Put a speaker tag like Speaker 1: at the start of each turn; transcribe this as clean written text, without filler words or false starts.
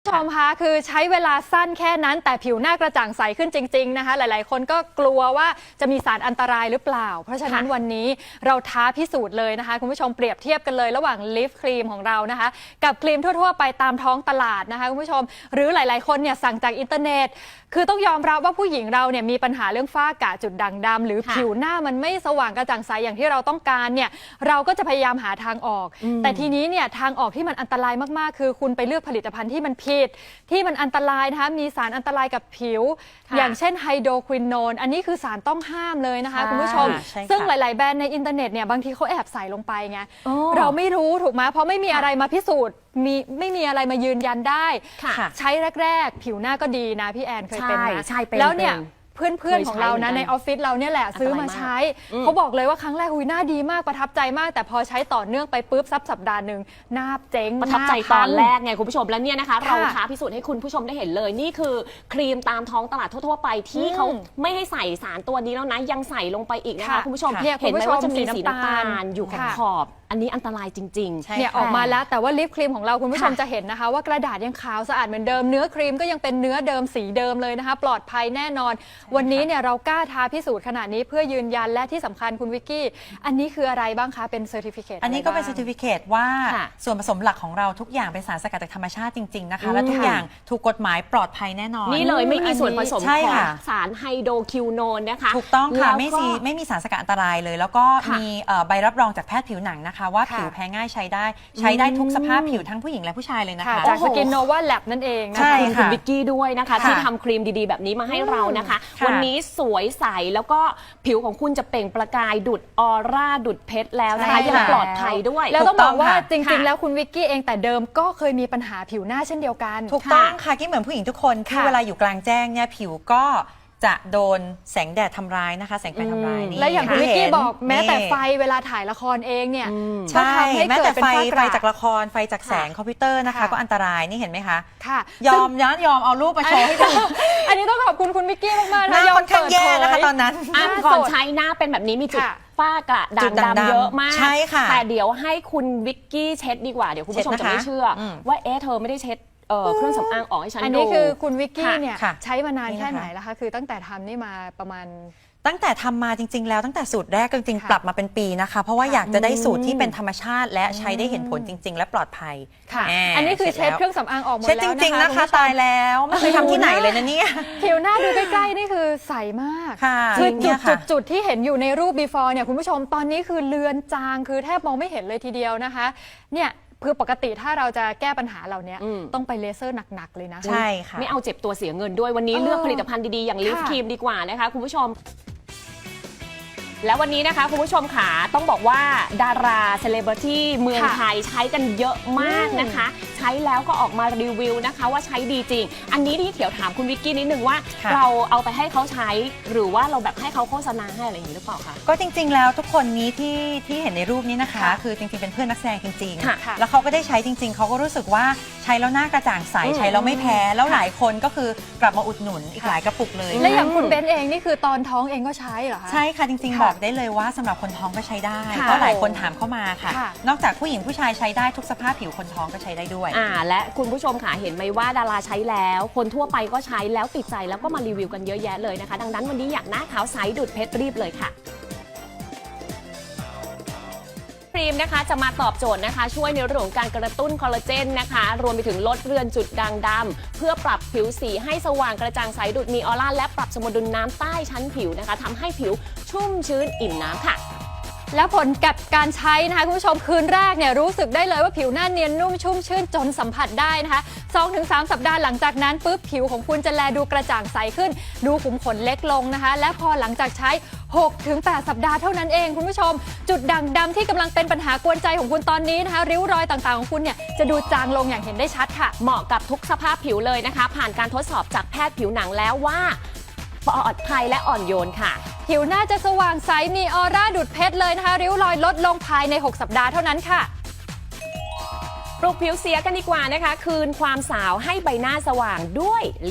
Speaker 1: ชมคะคือใช้เวลาสั้นแค่นั้นแต่ผิวหน้ากระจ่างใสขึ้นจริงๆนะคะหลายๆคนก็กลัวว่าจะมีสารอันตรายหรือเปล่าเพราะฉะนั้นวันนี้เราท้าพิสูจน์เลยนะคะคุณผู้ชมเปรียบเทียบกันเลยระหว่างลิฟต์ครีมของเรานะคะกับครีมทั่วๆไปตามท้องตลาดนะคะคุณผู้ชมหรือหลายๆคนเนี่ยสั่งจากอินเทอร์เน็ตคือต้องยอมรับว่าผู้หญิงเราเนี่ยมีปัญหาเรื่องฝ้ากระจุดด่างดำหรือผิวหน้ามันไม่สว่างกระจ่างใสอย่างที่เราต้องการเนี่ยเราก็จะพยายามหาทางออกแต่ทีนี้เนี่ยทางออกที่มันอันตรายมากๆคือคุณไปเลือกผลิตภัณฑ์ที่มันผิดที่มันอันตรายนะคะมีสารอันตรายกับผิวอย่างเช่นไฮโดรควินโนนอันนี้คือสารต้องห้ามเลยนะคะคุณผู้ชมซึ่งหลายๆแบรนด์ในอินเทอร์เน็ตเนี่ยบางทีเขาแอบใส่ลงไปไงเราไม่รู้ถูกไหมเพราะไม่มีอะไรมาพิสูจน์ไม่มีอะไรมายืนยันได้ใช้แรกๆผิวหน้าก็ดีนะพี่แอนเคยเป็นนะแล้วเนี่ยเพื่อนๆของเรานะในออฟฟิศเราเนี่ยแหละซื้อมาใช้เขาบอกเลยว่าครั้งแรกหน้าดีมากประทับใจมากแต่พอใช้ต่อเนื่องไปปุ๊บสัปดาห์หนึ่งหน้าเจ๊ง
Speaker 2: ประทับใจตอนแรกไงคุณผู้ชมแล้วเนี่ยนะคะเราท้าพิสูจน์ให้คุณผู้ชมได้เห็นเลยนี่คือครีมตามท้องตลาดทั่วๆไปที่เขาไม่ให้ใส่สารตัวนี้แล้วนะยังใส่ลงไปอีกนะคะคุณผู้ชมเห็นไหมว่าจะมีสีน้ำตาลอยู่ขอบอันนี้อันตรายจริงๆ
Speaker 1: เนี่ยออกมาแล้วแต่ว่าลิปครีมของเราคุณผู้ชมจะเห็นนะคะว่ากระดาษยังขาวสะอาดเหมือนเดิมเนื้อครีมก็ยังเป็นเนื้อเดิมสีเดิมเลยนะคะปลอดภัยแน่นอนวันนี้เนี่ยเรากล้าท้าพิสูจน์ขนาดนี้เพื่อยืนยันและที่สำคัญคุณวิกกี้อันนี้คืออะไรบ้างคะเป็นเซอร์ติฟิเคต
Speaker 3: อันนี้ก็เป็นเซอร์ติฟิเคตว่าส่วนผสมหลักของเราทุกอย่างเป็นสารสกัดจากธรรมชาติจริงๆนะคะและทุกอย่างถูกกฎหมายปลอดภัยแน่นอน
Speaker 2: นี่เลยไม่มีส่วนผสมของสารไฮโดรคิวโนนนะคะ
Speaker 3: ถูกต้องค่ะไม่มีสารสกัดอันตรายเลยแล้วก็มีใบรับรองจากแพทย์ผิวหนังนะคะว่าผิวแพ้ง่ายใช้ได้ทุกสภาพผิวทั้งผู้หญิงและผู้ชายเลยนะคะ
Speaker 1: จากสกินโนวาแลบนั่นเอง
Speaker 2: ใช่ค่ะคุณวิกกี้ด้วยนะคะที่ทำครีมดีๆแบบนี้มาให้เรานะคะวันนี้สวยใสแล้วก็ผิวของคุณจะเปล่งประกายดุดออร่าดุดเพชรแล้วนะคะยังปลอดภัยด้วย
Speaker 1: แล้วต้องบอกว่าจริงๆแล้วคุณวิกกี้เองแต่เดิมก็เคยมีปัญหาผิวหน้าเช่นเดียวกัน
Speaker 3: ถูกต้องค่ะที่เหมือนผู้หญิงทุกคนที่เวลาอยู่กลางแจ้งเนี่ยผิวก็จะโดนแสงแดดทำร้ายนะคะแสงไฟทำร้ายนี่
Speaker 1: และอย่างคุณวิกกี้บอกแม้แต่ไฟเวลาถ่ายละครเองเนี่ย
Speaker 3: ใช่แม้แต่ไฟจากละครไฟจากแสงคอมพิวเตอร์นะคะก็อันตรายนี่เห็นไหมคะ
Speaker 1: ค่ะ
Speaker 3: ยอมเอารูปมาโชว์ให้ดู
Speaker 1: อันนี้ต้องขอบคุณคุณวิกกี้มากๆนะ
Speaker 3: ยอมค่อนข้างแย่นะคะตอนนั้น
Speaker 2: ก่อนใช้หน้าเป็นแบบนี้มีจุดฝ้ากระด่างดำเยอะมาก
Speaker 3: ใช่ค่ะ
Speaker 2: แต่เดี๋ยวให้คุณวิกกี้เช็ดดีกว่าเดี๋ยวคุณผู้ชมจะไม่เชื่อว่าเธอไม่ได้เช็ดเครื่องสำอางออกให้ฉันดู
Speaker 1: อันนี้คือคุณวิกกี้เนี่ยใช้มานานแค่ไหนแล้วคะคือตั้งแต่ทำนี่มาประมาณ
Speaker 3: ตั้งแต่ทำมาจริงๆแล้วตั้งแต่สูตรแรกจริงๆปรับมาเป็นปีนะคะเพราะว่าอยากจะได้สูตรที่เป็นธรรมชาติและใช้ได้เห็นผลจริงๆและปลอดภัย
Speaker 1: ค่ะอันนี้คือเช็ดเครื่องสำอางออกหมดแล้ว
Speaker 3: เช็ดจริงๆนะคะตายแล้วไม่เคยทำที่ไหนเลยนะเนี่ย
Speaker 1: ผิวหน้าดูใกล้ๆนี่คือใสมากคือจุดที่เห็นอยู่ในรูป before เนี่ยคุณผู้ชมตอนนี้คือเลือนจางคือแทบมองไม่เห็นเลยทีเดียวนะคะเนี่ยคือปกติถ้าเราจะแก้ปัญหาเราเนี้ยต้องไปเลเซอร์หนักๆเลยนะ
Speaker 3: ใช่ค่ะ
Speaker 2: ไม่เอาเจ็บตัวเสียเงินด้วยวันนี้เลือกผลิตภัณฑ์ดีๆอย่างลิฟครีมดีกว่านะคะคุณผู้ชมแล้ววันนี้นะคะคุณผู้ชมค่ะต้องบอกว่าดาราเซเลบริตี้เมืองไทยใช้กันเยอะมากนะคะใช้แล้วก็ออกมารีวิวนะคะว่าใช้ดีจริงอันนี้ที่เขียวถามคุณวิกกี้นิดนึงว่าเราเอาไปให้เขาใช้หรือว่าเราแบบให้เขาโฆษณาให้อะไรอย่างนี้หรือเปล่าคะ
Speaker 3: ก็จริงๆแล้วทุกคนนี้ที่เห็นในรูปนี้นะคะคือจริงๆเป็นเพื่อนนักแสดงจริงๆแล้วเขาก็ได้ใช้จริงๆเขาก็รู้สึกว่าใช้แล้วหน้ากระจ่างใสใช้แล้วไม่แพ้แล้วหลายคนก็คือกลับมาอุดหนุนอีกหลายกระปุกเลย
Speaker 1: และอย่างคุณเบนเองนี่คือตอนท้องเองก็ใช้เหรอคะ
Speaker 3: ใช่ค่ะจริงๆบอกได้เลยว่าสำหรับคนท้องก็ใช้ได้เพราะหลายคนถามเข้ามาค่ะนอกจากผู้หญิงผู้ชายใช้ได้ทุกสภาพผิวคนท้องก็ใช้ได้ด้วย
Speaker 2: และคุณผู้ชมค่ะเห็นไหมว่าดาราใช้แล้วคนทั่วไปก็ใช้แล้วติดใจแล้วก็มารีวิวกันเยอะแยะเลยนะคะดังนั้นวันนี้อยากหน้าขาวใสดุดเพชรรีบเลยค่ะครีมนะคะจะมาตอบโจทย์นะคะช่วยในเรื่องของการกระตุ้นคอลลาเจนนะคะรวมไปถึงลดเรือนจุดด่างดำเพื่อปรับผิวสีให้สว่างกระจ่างใสดุดมีออร่าและปรับสมดุลน้ำใต้ชั้นผิวนะคะทำให้ผิวชุ่มชื้นอิ่มน้ำค่ะ
Speaker 1: แล้วผลกับการใช้นะคะคุณผู้ชมคืนแรกเนี่ยรู้สึกได้เลยว่าผิวหน้าเนียนนุ่มชุ่มชื่นจนสัมผัสได้นะคะ 2-3 สัปดาห์หลังจากนั้นปุ๊บผิวของคุณจะแลดูกระจ่างใสขึ้นดูขุมขนเล็กลงนะคะและพอหลังจากใช้ 6-8 สัปดาห์เท่านั้นเองคุณผู้ชมจุดด่างดำที่กำลังเป็นปัญหากวนใจของคุณตอนนี้นะคะริ้วรอยต่างๆของคุณเนี่ยจะดูจางลงอย่างเห็นได้ชัดค่ะ
Speaker 2: เหมาะกับทุกสภาพผิวเลยนะคะผ่านการทดสอบจากแพทย์ผิวหนังแล้วว่าปลอดภัยและอ่อนโยนค่ะ
Speaker 1: ผิวหน้าจะสว่างใสมีออร่าดุดเพชรเลยนะคะริ้วรอยลดลงภายใน6 สัปดาห์เท่านั้นค่ะ
Speaker 2: ปลุกผิวเสียกันดีกว่านะคะคืนความสาวให้ใบหน้าสว่างด้วย